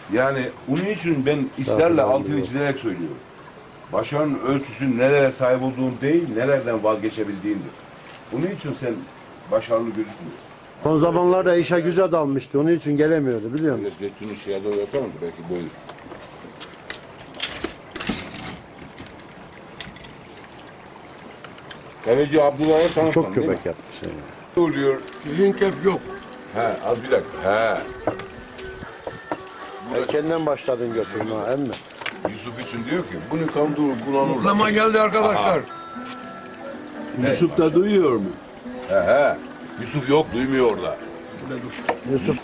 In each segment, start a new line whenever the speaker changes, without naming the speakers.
Yani bunun için ben ısrarla altını çizerek söylüyorum. Başarının ölçüsü nelere sahip olduğun değil, nelerden vazgeçebildiğindir. Bunun için sen başarılı gözükmüyorsun.
Son zamanlarda işe güce dalmıştı. Onun için gelemiyordu biliyor musun?
Zeytin'in şeye doğru yapamam belki böyle. Kaleci Abdullah'a tanıştın
Çok
değil mi?
köpek yapmış. Yani.
Ne oluyor?
Zinkef yok.
He, az bir dakika. He.
Erkenden başladın götürme emmi.
Yusuf için diyor ki, bunu kandırır, kullanırlar.
Mutlama geldi arkadaşlar.
Yusuf da duyuyor mu?
He. Yusuf yok, duymuyor orada.
Yusuf.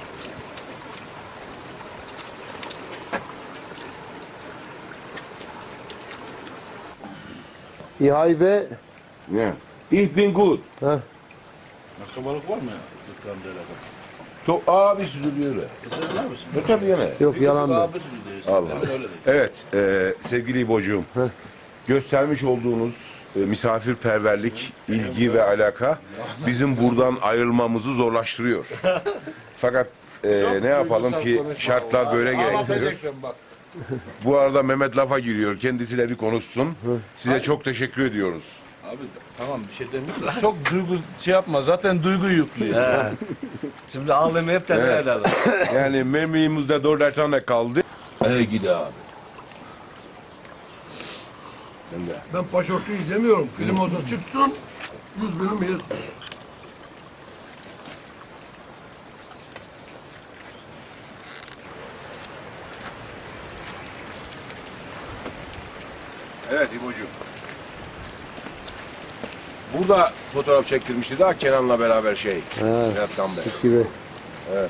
İhaybe.
Ne? Ich bin gut.
Ha.
Akrabalık var mı Sıtkanda'yla?
Abisi duruyor öyle.
Sen var mısın?
Tabii yine.
Yok yalan da.
Abisi diyorsun.
Allah.
Hemen öyle de.
Evet, sevgili İbo'cuğum. Göstermiş olduğunuz misafirperverlik, ilgi ve alaka bizim buradan ayrılmamızı zorlaştırıyor. Fakat ne yapalım ki şartlar böyle gerektiriyor.
Ağlatacaksın bak.
Bu arada Mehmet lafa giriyor. Kendisiyle bir konuşsun. Size çok teşekkür ediyoruz.
Abi tamam bir şey demiyorsun. Çok duygu şey yapma. Zaten duygu yüklüyorsun.
Şimdi ağlamayı hep de
Evet.
herhalde.
Yani memleğimizde 4 tane kaldı.
Hadi gidi abi.
Ben paşortuyu demiyorum. Klimoza çıksın. 100 binim yiyiz.
Evet İbo'cuğum. Burada fotoğraf çektirmişti daha Kenan'la beraber şey.
Evet.
Ertan Bey.
Gibi.
Evet.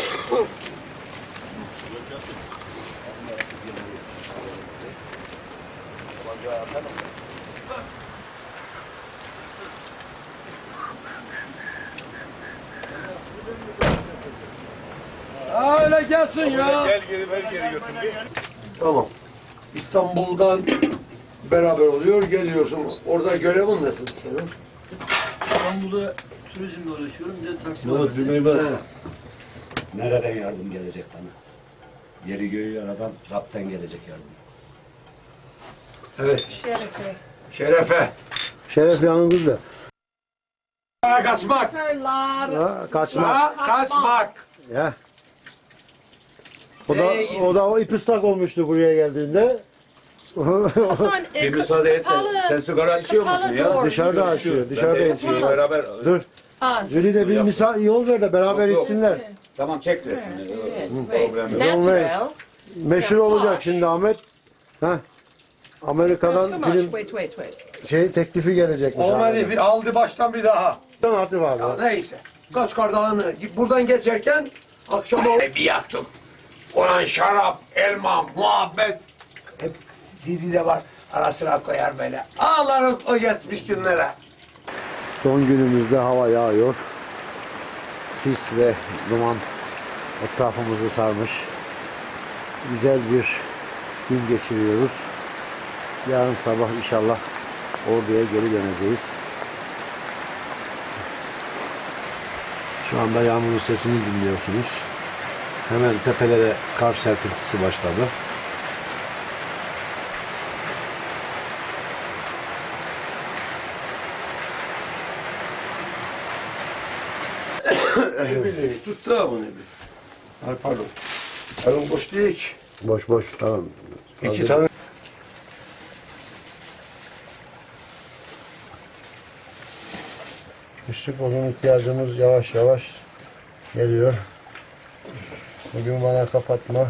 Öyle gelsin ya.
Gel geri ver geri götür.
Tamam. İstanbul'dan beraber oluyor, geliyorsun. Orada görevin nasıl senin?
İstanbul'da turizmle uğraşıyorum. Bir de taksi var.
Nereden yardım gelecek bana? Yeri göğü yaradan Rab'den gelecek yardım.
Evet.
Şerefe.
Şerefe.
Şeref yanınızda.
Kaçmak.
Kırlar.
Ha, kaçma.
Ha, kaçmak.
Ya. O da o ip ıslak olmuştu buraya geldiğinde.
Hasan,
Bir müsaade et de, sen sigara içiyor musun ya?
Dışarıda açıyor. Dışarıda içiyor.
Beraber.
Dur.
Az.
Züli de bir yol ver de beraber
Yok.
içsinler.
Tamam çek resmini.
Natural.
Meşhur olacak şimdi Ahmet. Heh.
Too
Amerika'dan
much.
film
Wait.
teklifi gelecek.
Olmadı, bir aldı baştan bir daha.
Hatip abi.
Ya neyse. Kaçkar Dağı'nı buradan geçerken akşam oldu. Bir yaktım. Ulan şarap, elma, muhabbet. Hep CD'de var. Ara sıra koyar böyle. Ağlarım o geçmiş günlere.
Son günümüzde hava yağıyor. Sis ve duman etrafımızı sarmış. Güzel bir gün geçiriyoruz. Yarın sabah inşallah Ordu'ya geri döneceğiz. Şu anda yağmurun sesini dinliyorsunuz. Hemen tepelere kar serpintisi başladı.
Tuttu ha bunu bir. Pardon. Elin boş değil ki.
Boş boş tamam.
İki tane.
Kışlık odun ihtiyacımız yavaş yavaş geliyor. Bugün bana kapatma.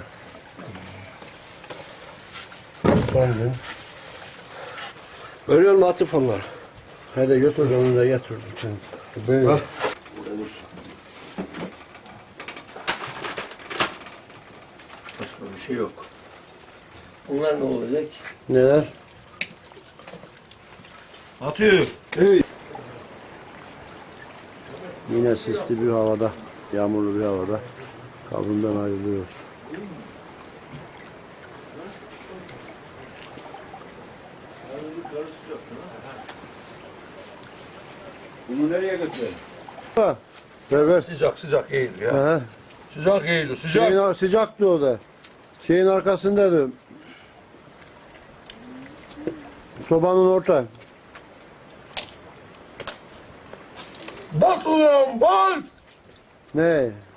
Son gün.
Görüyor musun Atıf onlar?
Hadi götür onu da getir. Böyle.
Ha. Başka bir şey yok. Bunlar ne olacak?
Neler?
Atıyor.
Yine sisli bir havada, yağmurlu bir havada kavrundan ayrılıyoruz.
Bunu nereye götürelim?
Ver ver.
Sıcak sıcak iyidir ya.
Aha.
Sıcak Eylül, sıcak.
Sıcaktı o da. Şeyin arkasındaydı. Sobanın orta.
Bat ulan bat!
Ne?